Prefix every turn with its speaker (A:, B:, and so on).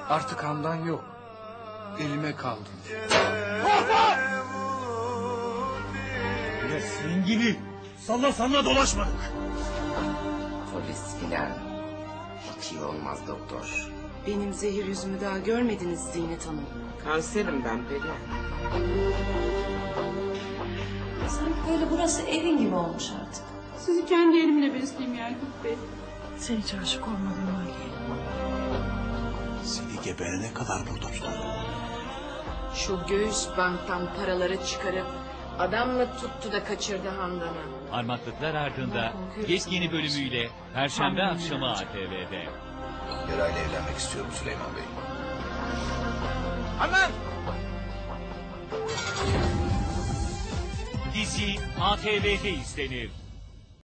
A: Artık Handan yok. Elime kaldı.
B: Ya senin gibi salla dolaşmadık.
C: Polis filan. Hiç iyi olmaz doktor.
D: Benim zehir yüzümü daha görmediniz Zinet Hanım.
C: Kanserim ben Perihan.
E: Sanki böyle burası evin gibi olmuş artık.
F: Sizi kendi elimle besleyeyim Yakup Bey.
E: Sen hiç aşık olmadın mı Ali'ye?
B: Seni geberene kadar burada tutarım.
D: Şu göğüs banktan paraları çıkarıp adam mı tuttu da kaçırdı Handan'ı?
G: Parmaklıklar Ardında yeni bölümüyle Perşembe akşamı ATV'de.
H: Yarayla evlenmek istiyorum Süleyman Bey.
B: Handan!
G: Dizi ATV'de izlenir.